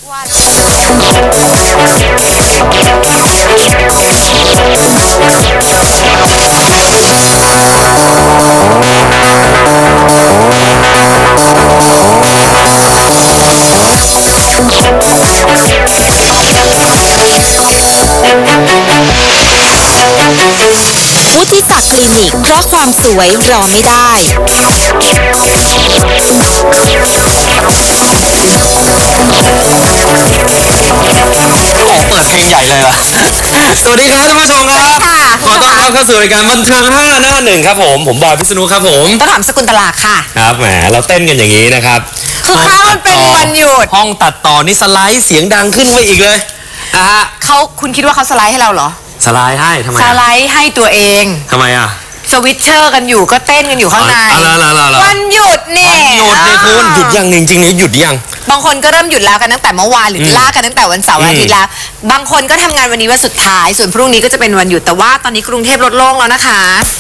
วุฒิศักดิ์คลินิกเพราะความสวยรอไม่ได้เปิดเพลงใหญ่เลยว่ะสวัสดีครับท่านผู้ชมครับขอต้อนรับเข้าสู่รายการบันเทิง5 หน้า 1ครับผมบอยพิษณุครับผมต้นหอมสกุลตลาค่ะครับแหมเราเต้นกันอย่างนี้นะครับคือข้าวมันเป็นวันหยุดห้องตัดต่อนี่สไลด์เสียงดังขึ้นไปอีกเลยคุณคิดว่าเขาสไลด์ให้เราเหรอสไลด์ให้ทำไมสไลด์ให้ตัวเองทำไมอ่ะสวิตเชอร์กันอยู่ก็เต้นกันอยู่ข้างในวันหยุดนี่หยุดเนี่ยคุณหยุดยังจริงๆหยุดยังบางคนก็เริ่มหยุดแล้วกันตั้งแต่เมื่อวานหรือล่ากันตั้งแต่วันเสาร์อาทิตย์แล้วบางคนก็ทำงานวันนี้วันสุดท้ายส่วนพรุ่งนี้ก็จะเป็นวันหยุดแต่ว่าตอนนี้กรุงเทพลดโล่งแล้วนะคะ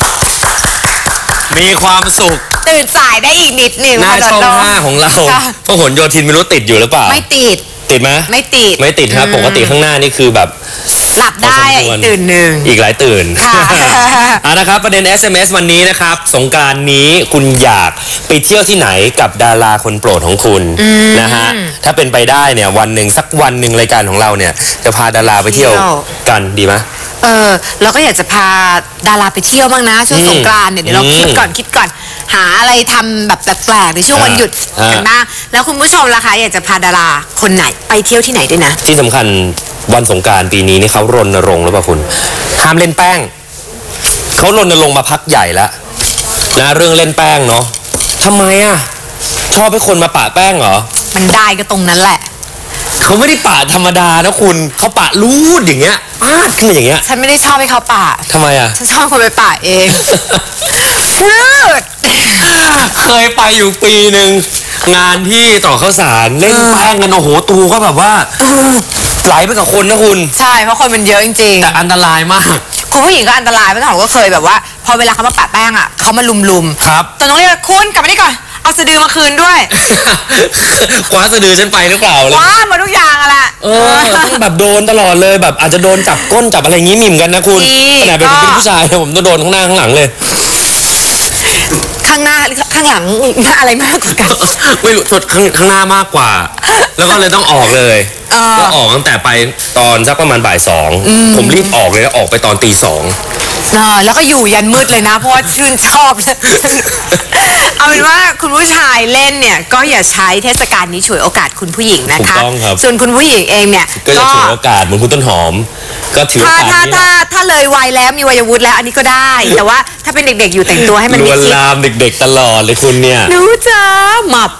มีความสุขตื่นสายได้อีกนิดหนึ่งหน้าช่อง5ของเราพหลโยธินไม่รู้ติดอยู่หรือเปล่าไม่ติดไหมไม่ติดครับปกติข้างหน้านี่คือแบบหลับได้อีกตื่นหนึ่งอีกหลายตื่นนะครับประเด็น SMS วันนี้นะครับสงกรานต์นี้คุณอยากไปเที่ยวที่ไหนกับดาราคนโปรดของคุณนะฮะถ้าเป็นไปได้เนี่ยวันหนึ่งสักวันหนึ่งรายการของเราเนี่ยจะพาดาราไปเที่ยวกันดีไหมเราก็อยากจะพาดาราไปเที่ยวบ้างนะช่วงสงกรานต์เนี่ยเดี๋ยวเราคิดก่อนหาอะไรทำแบบแปลกๆในช่วงวันหยุดกันบ้างแล้วคุณผู้ชมล่ะคะอยากจะพาดาราคนไหนไปเที่ยวที่ไหนด้วยนะที่สำคัญวันสงกรานต์ปีนี้นี่เขารณรงค์หรือเปล่าคุณห้ามเล่นแป้งเขารณรงค์มาพักใหญ่แล้วนะเรื่องเล่นแป้งเนาะทำไมอ่ะชอบให้คนมาปะแป้งเหรอมันได้ก็ตรงนั้นแหละเขาไม่ได้ปะธรรมดานะคุณเขาปะรูดอย่างเงี้ยปาดขึ้นมาอย่างเงี้ยฉันไม่ได้ชอบให้เขาปะทำไมอ่ะฉันชอบคนไปปะเองรูดเคยไปอยู่ปีหนึ่งงานที่ต่อข้าวสารเล่นแป้งกันโอ้โหตูก็แบบว่าไหลไปกับคนนะคุณใช่เพราะคนมันเยอะจริงๆแต่อันตรายมากคุณผู้หญิงก็อันตรายเพราะเขาก็เคยแบบว่าพอเวลาเขามาปะแป้งอ่ะเขามาลุมครับแต่น้องเรียกคุณกลับมานี่ก่อนเอาสะดือมาคืนด้วยคว้าสะดือฉันไปหรือเปล่าเลยคว้ามาทุกอย่างอะแหละต้องแบบโดนตลอดเลยแบบอาจจะโดนจับก้นจับอะไรงี้มิ่มกันนะคุณขนาดเป็นผู้ชายผมต้องโดนข้างหน้าข้างหลังเลยข้างหน้าข้างหลังอะไรมากกว่ากันไม่รู้ชดข้างหน้ามากกว่าแล้วก็เลยต้องออกเลยก็ออกตั้งแต่ไปตอนสักประมาณบ่าย2ผมรีบออกเลยแล้วออกไปตอนตี 2 แล้วก็อยู่ยันมืดเลยนะเพราะว่าชื่นชอบเอาเป็นว่าคุณผู้ชายเล่นเนี่ยก็อย่าใช้เทศกาลนี้ฉวยโอกาสคุณผู้หญิงนะคะส่วนคุณผู้หญิงเองเนี่ยก็จะฉวยโอกาสเหมือนคุณต้นหอมก็ถือโอกาสนี้ถ้าเลยวัยแล้วมีวัยวุฒิแล้วอันนี้ก็ได้แต่ว่าถ้าเป็นเด็กๆอยู่แต่งตัวให้มันลวนลามเด็กๆตลอดเลยคุณเนี่ยหนูจ้าหมับ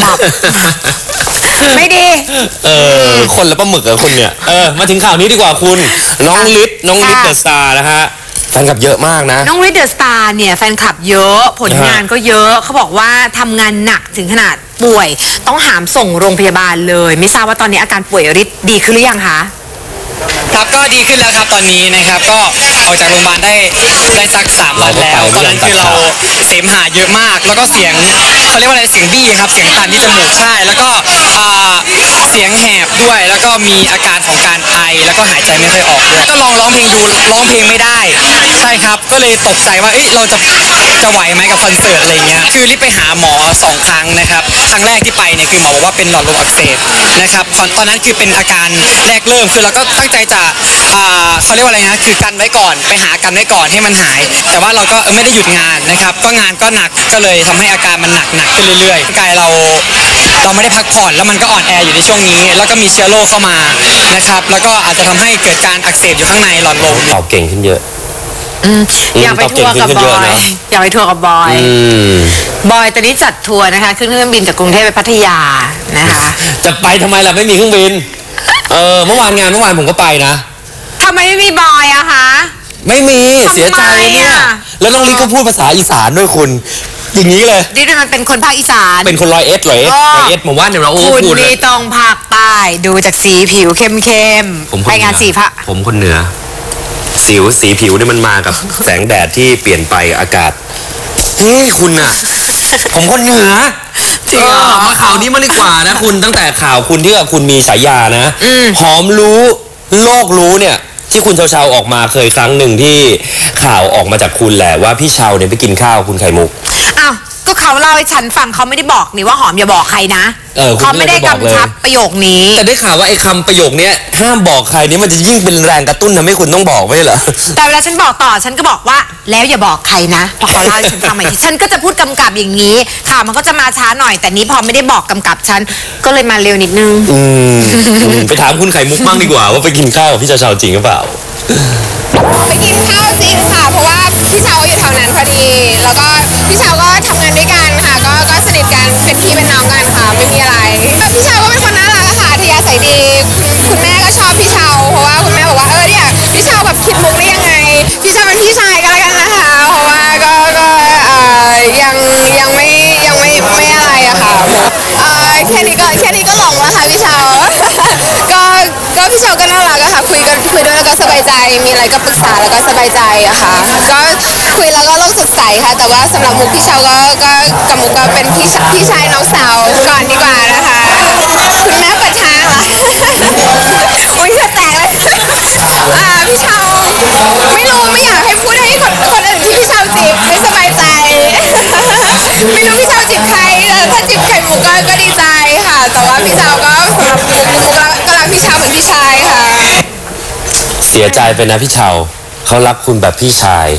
ไม่ดีคนละปลาหมึกอะคุณเนี่ยมาถึงข่าวนี้ดีกว่าคุณน้องฤทธิ์เดอะสตาร์นะฮะแฟนคลับเยอะมากนะน้องฤทธิ์เดอะสตาร์เนี่ยแฟนคลับเยอะผลงานก็เยอะเขาบอกว่าทำงานหนักถึงขนาดป่วยต้องหามส่งโรงพยาบาลเลยไม่ทราบว่าตอนนี้อาการป่วยฤทธิ์ดีขึ้นหรือยังคะครับก็ดีขึ้นแล้วครับตอนนี้นะครับก็ออกจากโรงพยาบาลได้สัก3 วันแล้วตอนนั้นคือเราเสมหะเยอะมากแล้วก็เสียงเขาเรียกว่าอะไรเสียงบี้ครับเสียงตันที่จมูกใช่แล้วก็เสียงแหบด้วยแล้วก็มีอาการของการไอแล้วก็หายใจไม่ค่อยออกด้วยก็ลองร้องเพลงดูร้องเพลงไม่ได้ใช่ครับก็เลยตกใจว่าเราจะไหวไหมกับคอนเสิร์ตอะไรเงี้ยคือรีบไปหาหมอ2 ครั้งนะครับครั้งแรกที่ไปเนี่ยคือหมอบอกว่าเป็นหลอดลมอักเสบนะครับตอนนั้นคือเป็นอาการแรกเริ่มคือเราก็ตั้งใจจะเขาเรียกว่าอะไรนะคือกันไว้ก่อนไปหากันไว้ก่อนให้มันหายแต่ว่าเราก็ไม่ได้หยุดงานนะครับก็งานก็หนักก็เลยทำให้อาการมันหนักขึ้นเรื่อยๆกายเราไม่ได้พักผ่อนแล้วมันก็อ่อนแออยู่ในช่วงนี้แล้วก็มีเชื้อโรคเข้ามานะครับแล้วก็อาจจะทำให้เกิดการอักเสบอยู่ข้างในหลอดลมตอบเก่งขึ้นเยอะอยากไปทัวร์กับบอยอยากไปทัวร์กับบอยตอนนี้จัดทัวร์นะคะขึ้นเครื่องบินจากกรุงเทพไปพัทยานะคะจะไปทำไมล่ะไม่มีเครื่องบินเมื่อวานผมก็ไปนะทำไมไม่มีบอยอะคะไม่มีเสียใจเนี่ยแล้วน้องลิก็พูดภาษาอีสานด้วยคุณอย่างนี้เลยดิมันเป็นคนภาคอีสานเป็นคนร้อยเอ็ดผมว่าเนี่ยเราคุณนี่ต้องภาคใต้ดูจากสีผิวเข้มไปงานสีพระผมคนเหนือสีผิวเนี่ยมันมากับแสงแดดที่เปลี่ยนไปอากาศเฮ้ยคุณอะผมคนเหนือจริงเหรอมาข่าวนี้มาดีกว่านะคุณตั้งแต่ข่าวคุณที่คุณมีฉายานะหอมรู้โลกรู้เนี่ยที่คุณเชาๆออกมาเคยครั้งหนึ่งที่ข่าวออกมาจากคุณแหละว่าพี่เชาเนี่ยไปกินข้าวคุณไข่มุกอ้าวก็เขาเล่าให้ฉันฟังเขาไม่ได้บอกนี่ว่าหอมอย่าบอกใครนะคุณเขาไม่ได้บอกเลยกำชับประโยคนี้แต่ได้ข่าวว่าไอ้คำประโยคนี้ห้ามบอกใครนี่มันจะยิ่งเป็นแรงกระตุ้นทำให้คุณต้องบอกไม่ใช่เหรอแต่เวลาฉันบอกต่อฉันก็บอกว่าแล้วอย่าบอกใครนะพอเขาเล่าให้ฉันฟังใหม่ทีฉันก็จะพูดกำกับอย่างนี้ข่าวมันก็จะมาช้าหน่อยแต่นี้พอไม่ได้บอกกำกับฉันก็เลยมาเร็วนิดนึงไปถามคุณไข่มุกบ้างดีกว่าว่าไปกินข้าวกับพี่เชาๆจริงหรือเปล่าไปกินข้าวจริงค่ะ เพราะว่าพี่เชาอยู่แถวนั้นพอดี แล้วก็พี่เชาก็ทำงานด้วยกันค่ะ ก็สนิทกันเป็นพี่เป็นน้องกันค่ะ ไม่มีอะไรพี่เชาก็เป็นคนน่ารักอะค่ะอัธยาศัยดีคุณแม่ก็ชอบพี่เชาเพราะว่าคุณแม่บอกว่าเนี่ยพี่เชาแบบคิดมุกได้ยังไงพี่เชาเป็นพี่ชายก็แล้วกันนะคะ เพราะว่าก็ยังไม่อะไรอะค่ะแค่นี้ก็หลงแล้วค่ะพี่เชา ก็พี่เชาก็น่ารักอะค่ะคุยด้วยแล้วก็สบายใจมีอะไรก็ปรึกษาแล้วก็สบายใจอะค่ะก็คุยแล้วก็โลกสดใสค่ะแต่ว่าสำหรับมุกพี่เชาก็กับมุกก็เป็นพี่ชายน้องสาวก่อนดีกว่านะคะคุณแม่เปิดทางเหรอ อุ้ยเธอแตกเลยพี่เชาไม่รู้ไม่อยากให้พูดให้คนอื่นที่พี่เชาจีบไม่สบายใจ ไม่รู้พี่เชาจีบใครถ้าจีบไข่มุกก็ดีใจค่ะ แต่ว่าพี่เชาก็สำหรับมุกก็รักพี่เชาเหมือนพี่ชายค่ะเสียใจไปนะพี่เชาเขารักคุณแบบพี่ชาย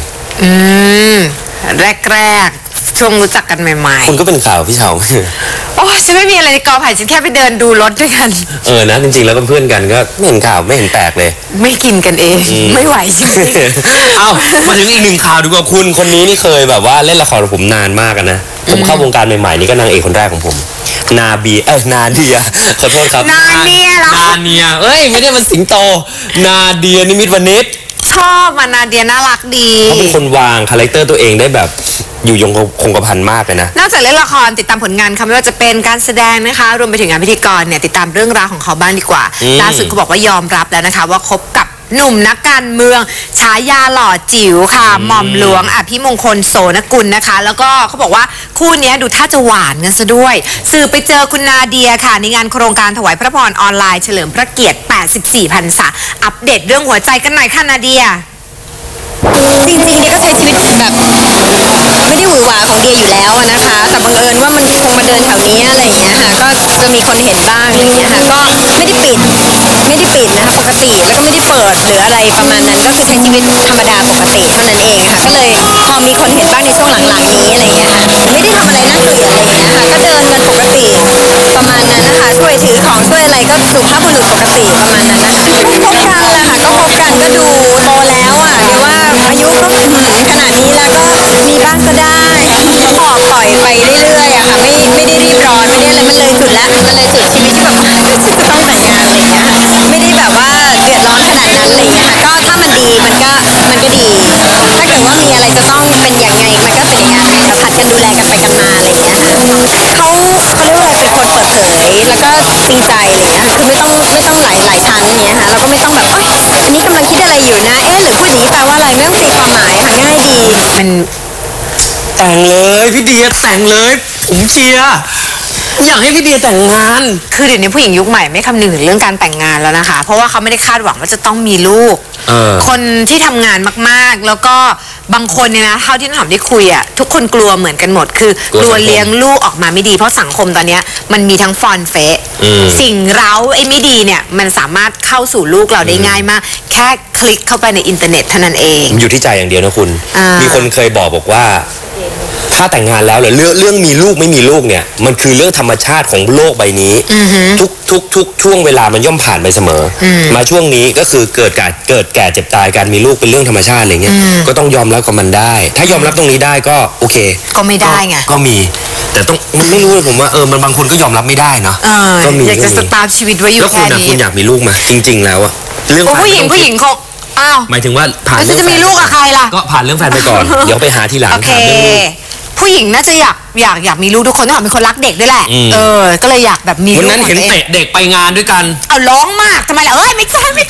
แรกๆช่วงรู้จักกันใหม่คุณก็เป็นข่าวพี่เชาๆโอ้ฉันไม่มีอะไรในกอไผ่ฉันแค่ไปเดินดูรถด้วยกันนะจริงๆแล้วก็เพื่อนกันก็ไม่เห็นข่าวไม่เห็นแปลกเลยไม่กินกันเองไม่ไหวจริงเอ้ามาถึงอีกหนึ่งข่าวดีกว่าคุณคนนี้นี่เคยแบบว่าเล่นละครกับผมนานมากนะผมเข้าวงการใหม่ๆนี่ก็นางเอกคนแรกของผมนาเดียขอโทษครับนาเนียเหรอนาเนียเอ้ยไม่ได้มันสิงโต นาเดียนิมิตรวณิชชอบมานาเดียน่ารักดีเขาเป็นคนวางคาแรคเตอร์ตัวเองได้แบบอยู่ยงคงกระพันมากเลยนะนอกจากเล่นละครติดตามผลงานค่ะไม่ว่าจะเป็นการแสดงนะคะ รวมไปถึงงานพิธีกรเนี่ยติดตามเรื่องราวของเขาบ้างดีกว่าล่าสุดเขาบอกว่ายอมรับแล้วนะคะ ว่าคบกับหนุ่มนักการเมืองฉายาหล่อจิ๋วค่ะหม่อมหลวงอภิมงคลโสนกุลนะคะ แล้วก็เขาบอกว่าคู่นี้ดูท่าจะหวานกันซะด้วยสื่อไปเจอคุณนาเดียค่ะในงานโครงการถวายพระพรออนไลน์เฉลิมพระเกียรติ 84 พรรษาอัปเดตเรื่องหัวใจกันหน่อยค่ะนาเดียจริงๆเดียก็ใช้ชีวิตแบบไม่ได้หวือหวาของเดียอยู่แล้วอะนะคะ แต่บังเอิญว่ามันคงมาเดินแถวนี้อะไรอย่างเงี้ยค่ะก็จะมีคนเห็นบ้างอะไรอย่างเงี้ยค่ะก็ไม่ได้ปิดนะคะปกติแล้วก็ไม่ได้เปิดหรืออะไรประมาณนั้นก็คือใช้ชีวิตธรรมดาปกติเท่านั้นเองค่ะก็เลยพอมีคนเห็นบ้างในช่วงหลังๆนี้อะไรอย่างเงี้ยค่ะไม่ได้ทำอะไรน่าเกลียดอะไรอย่างเงี้ยค่ะก็เดินกันปกติประมาณนั้นนะคะช่วยถือของช่วยอะไรก็สุภาพบุรุษปกติประมาณนั้นนะคะก็คบกันแหละค่ะก็คบกันก็ดูโตแล้วอ่ะเดี๋ยวว่าอายุก็ขนาดนี้แล้วก็มีบ้างก็ได้ก็ปล่อยไปเรื่อยๆอะค่ะไม่ได้รีบร้อนไม่ได้อะไรมันเลยจุดแล้วมันเลยจุดชีวิตที่แบบฉันจะต้องแต่งงานอะไรอย่างเงี้ยค่ะไม่ได้แบบว่าเดือดร้อนขนาดนั้นอะไรอย่างเงี้ยค่ะก็ถ้ามันดีมันก็ดี ถ้าเกิดว่ามีอะไรจะต้องเป็นอย่างไงมันก็เป็นอย่างนั้นค่ะผัดกันดูแลกันไปกันมาอะไรอย่างเงี้ยค่ะเขาเรียกว่าอะไรเป็นคนเปิดเผยแล้วก็จริงใจอะไรอย่างเงี้ยค่ะคือไม่ต้องหลายชั้นอย่างเงี้ยค่ะแล้วก็ไม่ต้องแบบอันนี้กำลังคิดอะไรอยู่นะหรือพูดอย่างนี้แปลว่าอะไรไม่ต้องตีความหมายค่ะง่ายดีมันแต่งเลยพี่เดียแต่งเลยผมเชียร์อยากให้พี่เดียแต่งงานคือเดี๋ยวนี้ผู้หญิงยุคใหม่ไม่คำนึงถึงเรื่องการแต่งงานแล้วนะคะ เพราะว่าเขาไม่ได้คาดหวังว่าจะต้องมีลูก คนที่ทำงานมากๆ แล้วก็บางคนเนี่ยนะเท่าที่น้องหอมได้คุยอ่ะทุกคนกลัวเหมือนกันหมด คือกลัวเลี้ยงลูกออกมาไม่ดีเพราะสังคมตอนเนี้ยมันมีทั้งฟอนเฟะสิ่งเร้าไอ้ไม่ดีเนี่ยมันสามารถเข้าสู่ลูกเราได้ง่ายมาก แค่คลิกเข้าไปในอินเทอร์เน็ตเท่านั้นเองอยู่ที่ใจอย่างเดียวนะคุณมีคนเคยบอกว่าถ้าแต่งงานแล้วเรื่องมีลูกไม่มีลูกเนี่ยมันคือเรื่องธรรมชาติของโลกใบนี้ทุกช่วงเวลามันย่อมผ่านไปเสมอมาช่วงนี้ก็คือเกิดแก่เจ็บตายการมีลูกเป็นเรื่องธรรมชาติอะไรเงี้ยก็ต้องยอมรับกับมันได้ถ้ายอมรับตรงนี้ได้ก็โอเคก็ไม่ได้ไงก็มีแต่ต้องมันไม่รู้เลยผมว่ามันบางคนก็ยอมรับไม่ได้เนาะก็มีอยากจะสตาร์ทชีวิตไว้อยู่แค่นี้แล้วคุณอยากมีลูกไหมจริงๆแล้วอะเรื่องผู้หญิงคงหมายถึงว่าผ่านเรื่องจะมีลูกกับใครล่ะก็ผ่านเรื่องแฟนไปก่อนเดี๋ยวไปหาทีหลังถามเรื่องลูกผู้หญิงน่าจะอยากมีลูกทุกคนต้องเป็นคนรักเด็กด้วยแหละก็เลยอยากแบบมีลูกวันนั้นเห็นเตะเด็กไปงานด้วยกันเอาร้องมากทำไมล่ะไม่เคยไม่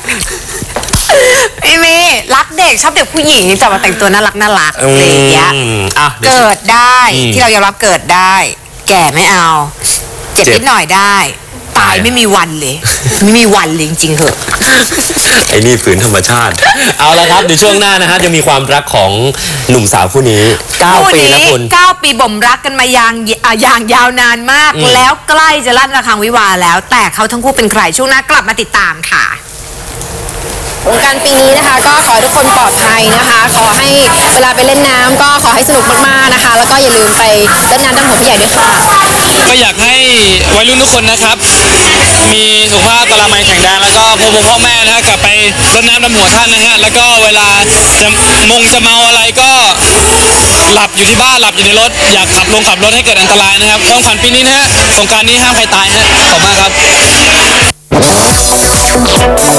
มีรักเด็กชอบเด็กผู้หญิงแต่ว่าแต่งตัวน่ารักอะไรอย่างเงี้ยเกิดได้ที่เรายอมรับเกิดได้แก่ไม่เอา เจ็บเจ็บนิดหน่อยได้ ตายไม่มีวันเลย ไม่มีวันเลยจริงๆเหอะไอ้นี่ฝืนธรรมชาติ เอาละครับเดี๋ยวช่วงหน้านะฮะจะมีความรักของหนุ่มสาวคู่นี้ 9 ปีแล้วคุณ 9 ปีบ่มรักกันมาอย่างยาวนานมาก แล้วใกล้จะลั่นระฆังวิวาห์แล้ว แต่เขาทั้งคู่เป็นใครช่วงหน้ากลับมาติดตามค่ะสงกรานต์ปีนี้นะคะก็ขอให้ทุกคนปลอดภัยนะคะ ขอให้เวลาไปเล่นน้ำก็ขอให้สนุกมากๆนะคะ แล้วก็อย่าลืมไปเล่นน้ำดำหัวผู้ใหญ่ด้วยค่ะก็อยากให้วัยรุ่นทุกคนนะครับ มีสุขภาพกะลามัยแข็งแรงแล้วก็พ่อแม่นะฮะกลับไปรดน้ำดำหัวท่านนะฮะแล้วก็เวลาจะเมาอะไรก็หลับอยู่ที่บ้านหลับอยู่ในรถอยากขับรถให้เกิดอันตรายนะครับความฝันปีนี้นะฮะสงกรานต์นี้ห้ามใครตายฮะขอบคุณมากครับ